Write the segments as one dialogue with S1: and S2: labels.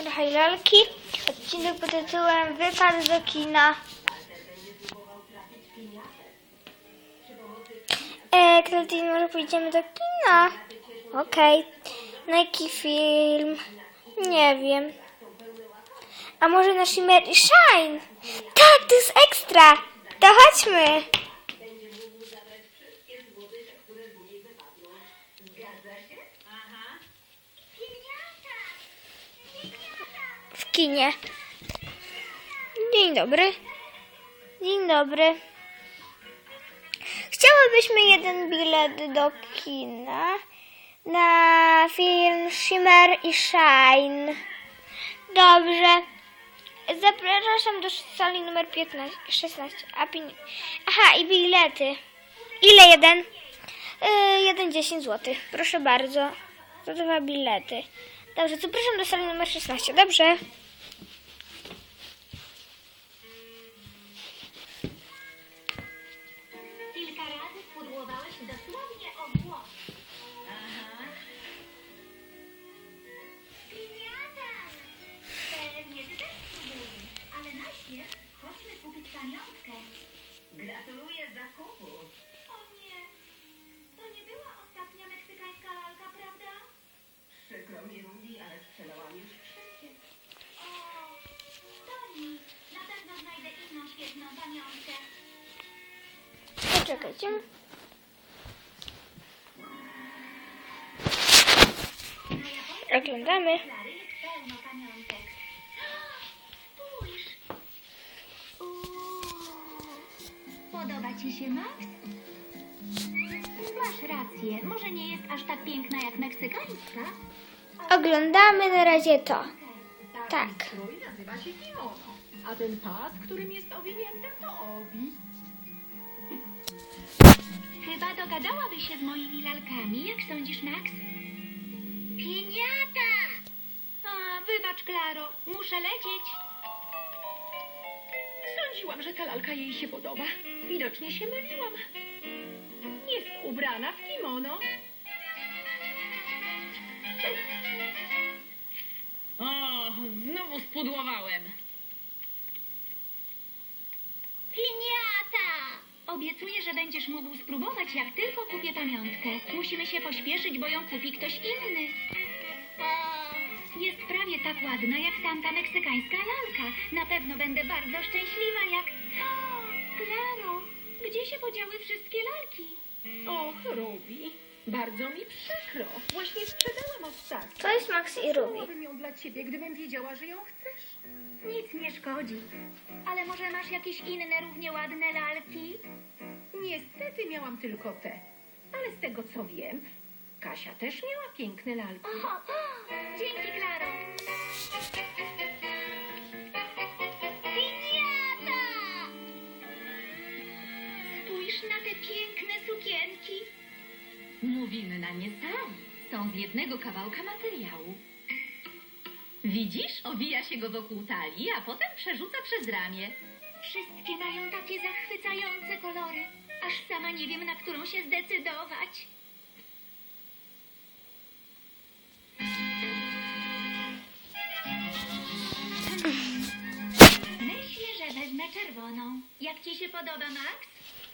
S1: trochę lalki. Odcinek pod tytułem Wypad do kina. Klaudine, może pójdziemy do kina? Okej. Na jaki film? Nie wiem. A może na Shimmer i Shine? Tak, to jest ekstra! To chodźmy! W kinie. Dzień dobry. Dzień dobry. Chciałybyśmy jeden bilet do kina na film Shimmer i Shine. Dobrze. Zapraszam do sali numer 16. Aha, i bilety. Ile jeden? 10 zł. Proszę bardzo. To 2 bilety. Dobrze, zapraszam do sali numer 16. Dobrze.
S2: Kilka razy spudłowałeś dosłownie o włos. Aha. Piniata! Pewnie ty też spróbujesz, ale najpierw chodźmy kupić pamiątkę. Gratuluję zakupu. O nie, to nie była ostatnia meksykańska lalka, prawda?
S3: Przykro mi, Ruby, ale sprzedałam już wszystkie.
S2: O, to nic. Na pewno znajdę inną świetną pamiątkę.
S1: Poczekajcie. Oglądamy.
S2: Klary jest pełno pamiątek. Spójrz. Podoba ci się, Max? Masz rację. Może nie jest aż tak piękna jak meksykańska?
S1: Oglądamy na razie to. Tak.
S3: Strój nazywa się kimono, a ten pas, którym jest owinięte, to obi.
S2: Chyba dogadałabyś się z moimi lalkami. Jak sądzisz, Max? Piniata! A, wybacz, Klaro. Muszę lecieć.
S3: Sądziłam, że ta lalka jej się podoba. Widocznie się myliłam. Jest ubrana w kimono.
S4: O, znowu spudłowałem.
S2: Piniata! Obiecuję, że będziesz mógł spróbować, jak tylko kupię pamiątkę. Musimy się pośpieszyć, bo ją kupi ktoś inny. Jest prawie tak ładna, jak tamta meksykańska lalka. Na pewno będę bardzo szczęśliwa, jak... O, Klaro, gdzie się podziały wszystkie lalki?
S3: Och, Ruby, bardzo mi przykro. Właśnie sprzedałam ostatnią.
S1: To jest Max i Ruby.
S3: Kupiłabym ją dla ciebie, gdybym wiedziała, że ją chcesz.
S2: Nic nie szkodzi. Ale może masz jakieś inne równie ładne lalki?
S3: Niestety miałam tylko te. Ale z tego, co wiem, Kasia też miała piękne lalki.
S2: O, dzięki, Klaro. Piniata! Spójrz na te piękne sukienki.
S4: Mówimy na nie sami. Są z jednego kawałka materiału. Widzisz? Owija się go wokół talii, a potem przerzuca przez ramię.
S2: Wszystkie mają takie zachwycające kolory. Aż sama nie wiem, na którą się zdecydować. Myślę, że wezmę czerwoną. Jak ci się podoba, Max?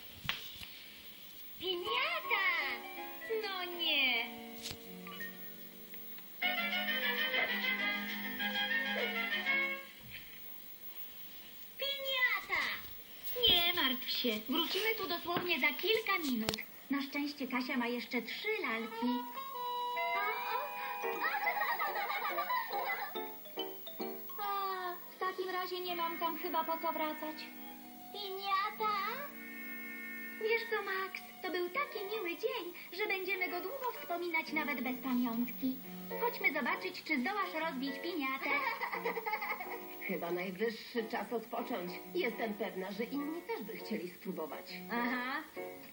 S2: Piniata! No nie. Piniata! Nie martw się. Wrócimy tu dosłownie za kilka minut. Na szczęście Kasia ma jeszcze 3 lalki. A, w takim razie nie mam tam chyba po co wracać. Piniata? Wiesz co, Max, to był taki miły dzień, że będziemy go długo wspominać nawet bez pamiątki. Chodźmy zobaczyć, czy zdołasz rozbić piniatę.
S3: Chyba najwyższy czas odpocząć. Jestem pewna, że inni też by chcieli spróbować.
S2: Aha.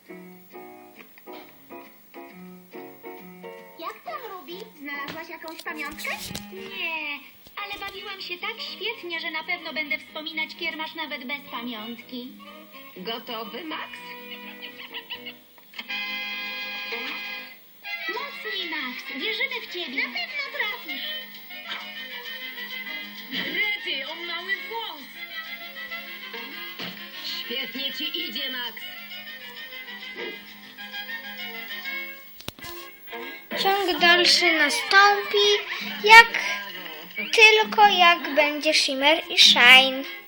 S2: Jak tam, Ruby? Znalazłaś jakąś pamiątkę? Nie, ale bawiłam się tak świetnie, że na pewno będę wspominać kiermasz nawet bez pamiątki.
S3: Gotowy, Max?
S2: Mocniej, Max. Wierzymy w ciebie. Na pewno trafisz.
S5: Świetnie ci idzie, Max.
S1: Ciąg dalszy nastąpi, jak będzie Shimmer i Shine.